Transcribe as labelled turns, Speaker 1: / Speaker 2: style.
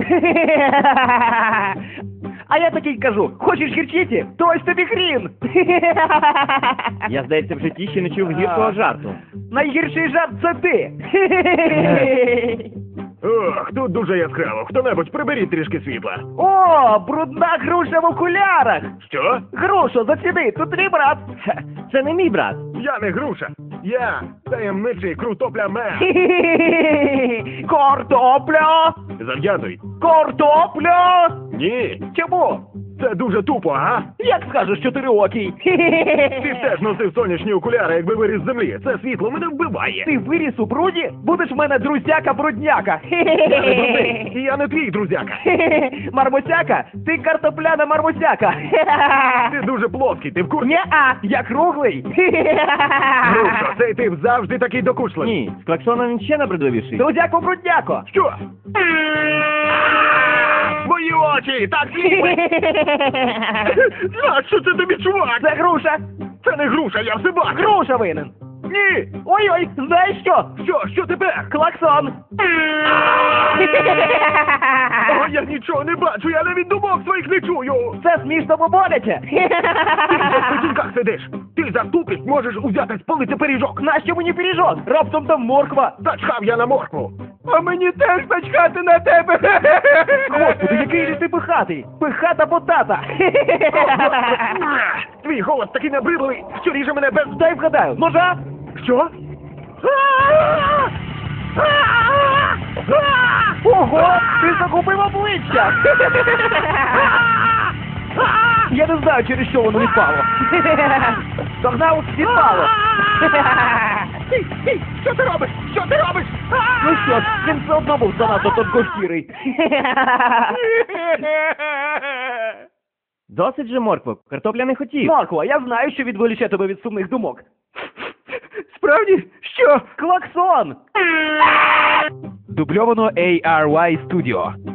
Speaker 1: А я такий кажу, хочеш гірчиці? То ось тобі хрін.
Speaker 2: Я, здається, в житті ще не чув гіркого жарту.
Speaker 1: Найгірший жарт це ти.
Speaker 3: Ох, тут дуже яскраво. Хто-небудь приберіть трішки світла.
Speaker 1: О, брудна груша в окулярах.
Speaker 3: Що?
Speaker 1: Грушо, заціни, тут твій брат.
Speaker 2: Це не мій брат.
Speaker 3: Я не груша. Я таємничий крутопля-мен.
Speaker 1: Картопля!
Speaker 3: Зав'язуй.
Speaker 1: Картопля!
Speaker 3: Ні,
Speaker 1: Чому?
Speaker 3: це дуже тупо, ага.
Speaker 1: Як скажеш, 4-окій?
Speaker 3: Ти б теж носив сонячні окуляри, якби виріс з землі. Це світло мене вбиває.
Speaker 1: Ти виріс у бруді? Будеш в мене друзяка-брудняка.
Speaker 3: Я не брудний, і я не твій друзяка.
Speaker 1: Мармусяка? Ти картопляна мармусяка.
Speaker 3: Ти дуже плоский, ти в курсі?
Speaker 1: Нє-а, я круглий.
Speaker 3: Груша, цей тип завжди такий докучливий.
Speaker 2: Ні, з клаксоном він ще набридливіший.
Speaker 1: Друзяко-брудняко.
Speaker 3: Що? Мої очі! Так сліпить! Що це тобі, чувак?
Speaker 1: Це груша.
Speaker 3: Це не груша, я все бачу!
Speaker 1: Груша винен.
Speaker 3: Ні!
Speaker 1: Ой-ой, знаєш що?
Speaker 3: Що тепер?
Speaker 1: Клаксон.
Speaker 3: О, я нічого не бачу, я навіть думок своїх не чую!
Speaker 1: Це смішно, бо боляче.
Speaker 3: Ти в печінках сидиш! Ти за тупість можеш узяти спалити пиріжок!
Speaker 1: Нащо мені пиріжок? Раптом там морква.
Speaker 3: Зачхав я на моркву!
Speaker 1: А мені теж начхати на тебе. Господи, який же ти пихатий. Пихата потата.
Speaker 3: Твій голос такий набридливий, що ріже мене без...
Speaker 1: Дай вгадаю. Ножа?
Speaker 3: Що?
Speaker 1: Ого, ти загубив обличчя. Я не знаю, через що воно відпало. Догнав, відпало.
Speaker 3: Стій! Що ти робиш? Що ти робиш?
Speaker 1: Ну що ж, він все одно був занадто тонкошкірий.
Speaker 2: Досить же, моркво, картопля не хотів.
Speaker 1: Морква, я знаю, що відволіче тебе від сумних думок. Справді? Що? Клаксон!
Speaker 4: Дубльовано ARY Studio.